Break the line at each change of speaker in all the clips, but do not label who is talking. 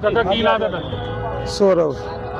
ਚਾਚਾ ਕੀ ਨਾਂ ਤੁਹਾਡਾ?
सौरभ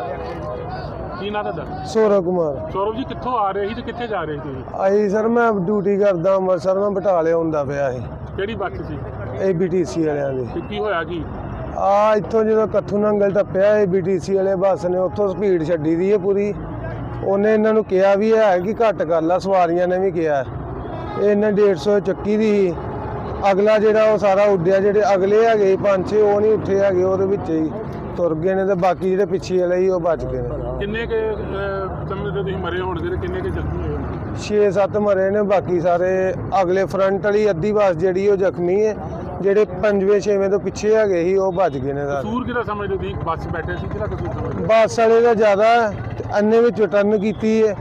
ਕੀ ਨਾਂ ਤੁਹਾਡਾ?
सौरभ कुमार
ਸੌਰਵ ਜੀ ਕਿੱਥੋਂ ਆ ਰਹੇ ਸੀ ਤੇ ਕਿੱਥੇ ਜਾ ਰਹੇ ਸੀ ਤੁਸੀਂ?
आई सर मैं ड्यूटी करदा अंमृतसर मैं बटाले आउंदा पिया ਸੀ
ਕਿਹੜੀ ਬੱਸ ਸੀ
ABTC ਵਾਲਿਆਂ ਦੀ।
ਤੇ ਕੀ ਹੋਇਆ ਕੀ?
ਇੱਥੋਂ ਜਦੋਂ ਕੱਥੂ ਨੰਗਲ ਟੱਪਿਆ ABTC ਵਾਲੇ ਬੱਸ ਨੇ ਉੱਥੋਂ ਸਪੀਡ ਛੱਡੀ ਦੀ ਹੈ ਪੂਰੀ। ਉਹਨੇ ਇਹਨਾਂ ਨੂੰ ਕਿਹਾ ਵੀ ਹੈ ਕਿ ਘੱਟ ਕਰ ਲਾ, ਸਵਾਰੀਆਂ ਨੇ ਵੀ ਕਿਹਾ। ਇਹਨੇ 150 ਚੱਕੀ ਦੀ ਸੀ। ਅਗਲਾ ਜਿਹੜਾ ਉਹ ਸਾਰਾ ਉੱਡਿਆ, ਜਿਹੜੇ ਅਗਲੇ ਹੈਗੇ 5-6 ਉਹ ਨਹੀਂ ਉੱਠੇ ਹੈਗੇ, ਉਹਦੇ ਵਿੱਚ ਹੀ ਤੁਰ ਗਏ ਨੇ ਤੇ ਬਾਕੀ ਜਿਹੜੇ ਪਿੱਛੇ ਵਾਲੇ ਸੀ ਉਹ ਬਚ ਗਏ ਨੇ।
ਕਿੰਨੇ ਕੇ ਸਮੇਂ ਤੇ ਤੁਸੀਂ ਮਰੇ ਹੋਣਗੇ ਤੇ ਕਿੰਨੇ ਕੇ ਜ਼ਖਮੀ ਹੋਏ ਹੋਣਗੇ?
6-7 ਮਰੇ ਨੇ, ਬਾਕੀ ਸਾਰੇ ਅਗਲੇ ਫਰੰਟ ਵਾਲੀ ਅੱਧੀ ਬੱਸ ਜਿਹੜੀ ਉਹ ਜ਼ਖਮੀ ਹੈ। ਜਿਹੜੇ 5ਵੇਂ-6ਵੇਂ ਤੋਂ ਪਿੱਛੇ ਹੈਗੇ ਸੀ ਉਹ ਭੱਜ ਗਏ ਨੇ ਸਾਰੇ।
ਕਸੂਰ ਕਿਹਦਾ ਸਮਝਦੇ ਤੁਸੀਂ? ਬੱਸ ਬੈਠੇ ਸੀ, ਕਿਹਦਾ ਕਸੂਰ ਸਮਝਦੇ?
ਬੱਸ ਵਾਲੇ ਦਾ ਜ਼ਿਆਦਾ ਤੇ ਅੰਨੇ ਵਿੱਚ ਟਰਨ ਕੀਤੀ ਹੈ।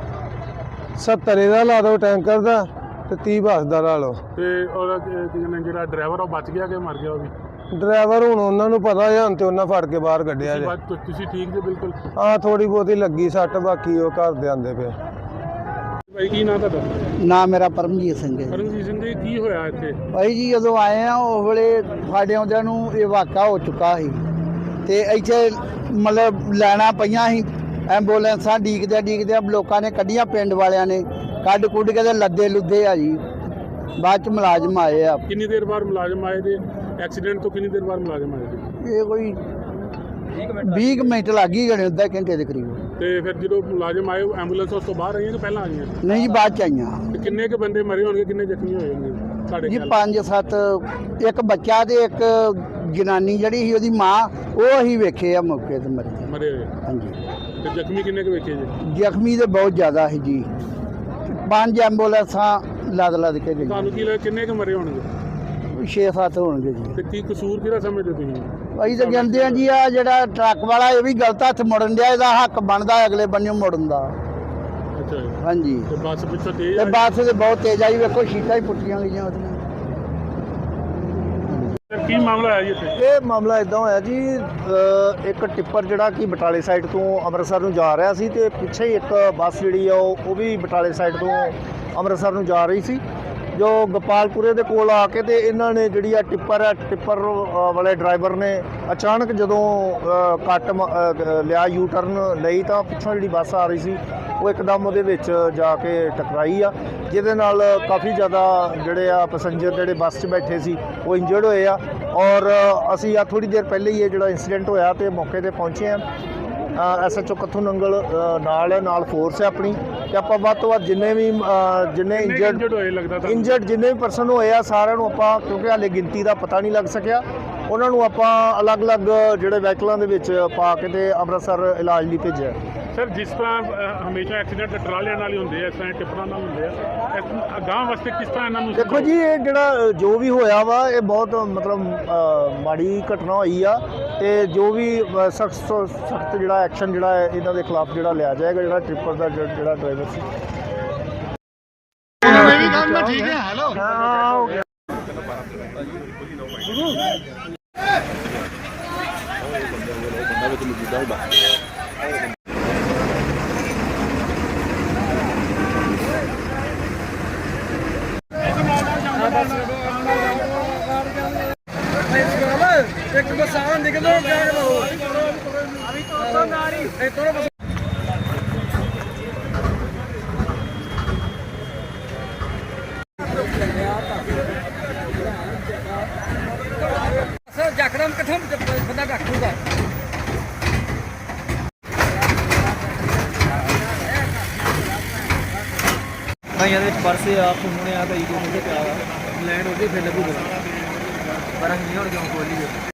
70 ਦਾ ਲਾ ਦਿਓ ਟੈਂਕਰ ਦਾ ਤੇ 30 ਬੱਸ ਦਾ ਲਾ ਲਓ।
ਤੇ ਔਰ ਜਿਹੜਾ ਡਰਾਈਵਰ ਉਹ ਬਚ ਗਿਆ ਕਿ ਮਰ ਗਿਆ? ਉਹ ਵੀ
ਡਰਾਈਵਰ ਹੁਣ ਉਹਨਾਂ ਨੂੰ ਪਤਾ ਹੈ, ਹੁਣ ਤੇ ਉਹਨਾਂ ਫੜ ਕੇ ਬਾਹਰ ਕੱਢਿਆ ਜੇ।
ਤੁਸੀਂ ਠੀਕ ਜੇ ਬਿਲਕੁਲ?
ਹਾਂ ਥੋੜੀ ਬਹੁਤੀ ਲੱਗੀ ਸੱਟ, ਬਾਕੀ ਉਹ ਘਰ ਦੇ ਆਂਦੇ ਪਏ।
ਭਾਈ ਕੀ ਨਾਂ ਤੁਹਾਡਾ?
ਨਾਮ ਮੇਰਾ ਪਰਮਜੀਤ ਸਿੰਘ ਹੈ।
ਪਰਮਜੀਤ ਸਿੰਘ ਜੀ, ਕੀ ਹੋਇਆ ਇੱਥੇ?
ਭਾਈ ਜੀ ਜਦੋਂ ਆਏ ਆ ਉਸ ਵੇਲੇ ਸਾਡੇ ਆਉਂਦਿਆਂ ਨੂੰ ਇਹ ਵਾਕਾ ਹੋ ਚੁੱਕਾ ਸੀ ਤੇ ਇੱਥੇ ਮਤਲਬ ਲੈਣਾ ਪਈਆਂ ਸੀ, ਐਂਬੂਲੈਂਸਾਂ ਡੀਕਦੇ ਲੋਕਾਂ ਨੇ ਕੱਢੀਆਂ, ਪਿੰਡ ਵਾਲਿਆਂ ਨੇ ਕੱਢ ਕੁੱਢ ਕੇ ਤੇ ਲੱਦੇ ਲੁੱਦੇ ਆ ਜੀ। ਬਾਅਦ ਚ ਮੁਲਾਜ਼ਮ ਆਏ ਆ।
ਕਿੰਨੀ ਦੇਰ ਬਾਅਦ ਮੁਲਾਜ਼ਮ ਆਏ ਤੇ ਐਕਸੀਡੈਂਟ ਤੋਂ ਕਿੰਨੀ ਦੇਰ ਬਾਅਦ ਮੁਲਾਜ਼ਮ ਆਏ?
ਇਹ ਕੋਈ 20 ਮਿੰਟ ਲੱਗ ਹੀ ਗਏ, ਅੱਧਾ ਘੰਟੇ ਦੇ ਕਰੀਬ।
ਤੇ ਫਿਰ ਜਦੋਂ ਮੁਲਾਜ਼ਮ ਆਏ ਐਂਬੂਲੈਂਸ ਉਸ ਤੋਂ ਬਾਹਰ ਆਈਆਂ ਕਿ ਪਹਿਲਾਂ ਆਈਆਂ?
ਨਹੀਂ ਜੀ ਬਾਅਦ ਚ ਆਈਆਂ।
ਤੇ ਕਿੰਨੇ ਕੁ ਬੰਦੇ ਮਰੇ ਹੋਣਗੇ, ਕਿੰਨੇ ਜ਼ਖਮੀ ਹੋਏ ਹੋਣਗੇ ਸਾਡੇ
ਜੀ
ਖਿਆਲ?
5-7, ਇੱਕ ਬੱਚਾ ਤੇ ਇੱਕ ਜਨਾਨੀ ਜਿਹੜੀ ਸੀ ਉਹਦੀ ਮਾਂ, ਉਹ ਅਸੀਂ ਵੇਖੇ ਆ ਮੌਕੇ ਤੇ
ਮਰੇ ਹੋਏ।
ਹਾਂਜੀ।
ਤੇ ਜ਼ਖਮੀ ਕਿੰਨੇ ਕੁ ਵੇਖੇ ਜੀ?
ਜ਼ਖਮੀ ਤੇ ਬਹੁਤ ਜ਼ਿਆਦਾ ਸੀ ਜੀ। 5 ਐਂਬੂਲੈਂਸਾਂ ਲੱਦ ਕੇ ਗਈਆਂ।
ਤੁਹਾਨੂੰ ਕੀ ਲੱਗਦਾ ਕਿੰਨੇ ਕੁ ਮਰੇ ਹੋਣਗੇ?
6-7 ਹੋਣਗੇ ਜੀ।
ਤੇ ਕੀ ਕਸੂਰ ਕਿਹਦਾ ਸਮਝਦੇ ਤੁਸੀਂ?
ਅਸੀਂ ਤਾਂ ਕਹਿੰਦੇ ਆ ਜੀ ਆ ਜਿਹੜਾ ਟਰੱਕ ਵਾਲਾ ਇਹ ਵੀ ਗਲਤ ਹੱਥ ਮੁੜਨ ਡਿਆ, ਇਹਦਾ ਹੱਕ ਬਣਦਾ ਅਗਲੇ ਬੰਨਿਓ ਮੁੜਨ ਦਾ।
ਅੱਛਾ ਜੀ।
ਹਾਂਜੀ।
ਤੇ ਬੱਸ ਪਿੱਛੋਂ ਤੇਜ਼
ਤੇ ਬੱਸ ਤੇ ਬਹੁਤ ਤੇਜ਼ ਆਈ, ਵੇਖੋ ਸ਼ੀਟਾਂ ਹੀ ਪੁੱਟੀਆਂ ਗਈਆਂ ਉਹਦੀਆਂ।
ਕੀ ਮਾਮਲਾ ਹੈ ਜੀ ਇੱਥੇ?
ਇਹ ਮਾਮਲਾ ਇਦਾਂ ਹੋਇਆ ਜੀ, ਇੱਕ ਟਿੱਪਰ ਜਿਹੜਾ ਕਿ ਬਟਾਲੇ ਸਾਈਡ ਤੋਂ ਅੰਮ੍ਰਿਤਸਰ ਨੂੰ ਜਾ ਰਿਹਾ ਸੀ ਤੇ ਪਿੱਛੇ ਹੀ ਇੱਕ ਬੱਸ ਜਿਹੜੀ ਆ ਉਹ ਵੀ ਬਟਾਲੇ ਸਾਈਡ ਤੋਂ ਅੰਮ੍ਰਿਤਸਰ ਨੂੰ ਜਾ ਰਹੀ ਸੀ। ਜੋ ਗੋਪਾਲਪੁਰੇ ਦੇ ਕੋਲ ਆ ਕੇ ਤੇ ਇਹਨਾਂ ਨੇ ਜਿਹੜੀ ਆ ਟਿੱਪਰ ਵਾਲੇ ਡਰਾਈਵਰ ਨੇ ਅਚਾਨਕ ਜਦੋਂ ਕੱਟ ਲਿਆ, ਯੂ ਟਰਨ ਲਈ, ਤਾਂ ਪਿੱਛੋਂ ਜਿਹੜੀ ਬੱਸ ਆ ਰਹੀ ਸੀ ਉਹ ਇੱਕਦਮ ਉਹਦੇ ਵਿੱਚ ਜਾ ਕੇ ਟਕਰਾਈ ਆ, ਜਿਹਦੇ ਨਾਲ ਕਾਫੀ ਜ਼ਿਆਦਾ ਜਿਹੜੇ ਆ ਪੈਸੇਂਜਰ ਜਿਹੜੇ ਬੱਸ 'ਚ ਬੈਠੇ ਸੀ ਉਹ ਇੰਜਰਡ ਹੋਏ ਆ। ਔਰ ਅਸੀਂ ਆ ਥੋੜੀ ਦੇਰ ਪਹਿਲੇ ਹੀ ਇਹ ਜਿਹੜਾ ਇੰਸੀਡੈਂਟ ਹੋਇਆ ਤੇ ਮੌਕੇ ਤੇ ਪਹੁੰਚੇ ਆ। SHO ਕੱਥੂ ਨੰਗਲ ਨਾਲ ਫੋਰਸ ਹੈ ਆਪਣੀ, ਤੇ ਆਪਾਂ ਵੱਧ ਤੋਂ ਵੱਧ ਜਿੰਨੇ ਇੰਜਰਡ ਜਿੰਨੇ ਵੀ ਪਰਸਨ ਹੋਏ ਆ ਸਾਰਿਆਂ ਨੂੰ ਆਪਾਂ, ਕਿਉਂਕਿ ਹਾਲੇ ਗਿਣਤੀ ਦਾ ਪਤਾ ਨਹੀਂ ਲੱਗ ਸਕਿਆ, ਉਹਨਾਂ ਨੂੰ ਆਪਾਂ ਅਲੱਗ-ਅਲੱਗ ਜਿਹੜੇ ਵਹੀਕਲਾਂ ਦੇ ਵਿੱਚ ਪਾ ਕੇ ਤੇ ਅੰਮ੍ਰਿਤਸਰ ਇਲਾਜ ਲਈ ਭੇਜਿਆ।
ਸਰ ਜਿਸ ਤਰ੍ਹਾਂ ਹਮੇਸ਼ਾ ਐਕਸੀਡੈਂਟ ਟਰਾਲਿਆਂ ਨਾਲ ਹੀ ਹੁੰਦੇ ਆ, ਇਸ ਤਰ੍ਹਾਂ ਟਿੱਪਰਾਂ ਨਾਲ ਹੁੰਦੇ ਆ, ਅਗਾਂਹ ਵਾਸਤੇ ਕਿਸ ਤਰ੍ਹਾਂ ਇਹਨਾਂ ਨੂੰ?
ਦੇਖੋ ਜੀ, ਇਹ ਜਿਹੜਾ ਜੋ ਵੀ ਹੋਇਆ ਵਾ ਇਹ ਬਹੁਤ ਮਤਲਬ ਮਾੜੀ ਘਟਨਾ ਹੋਈ ਆ, ਤੇ ਜੋ ਵੀ ਸਖਤ ਜਿਹੜਾ ਐਕਸ਼ਨ ਜਿਹੜਾ ਹੈ ਇਹਨਾਂ ਦੇ ਖਿਲਾਫ ਜਿਹੜਾ ਲਿਆ ਜਾਏਗਾ, ਜਿਹੜਾ ਟ੍ਰਿਪਰ ਦਾ ਜਿਹੜਾ ਡਰਾਈਵਰ ਸੀ।
ਠੀਕ ਹੈ। ਹੈਲੋ ਹਾਂ ਹੋ ਗਿਆ।
एक बस आन निकलो क्या करो अभी तो नारी थोड़ा बस सर जकदम कथम बंदा डकूगा
भाइयों के परसे आप सुनने आ कई को मुझे प्यार लैंड हो गई फिर लगू पर नहीं और क्यों खोली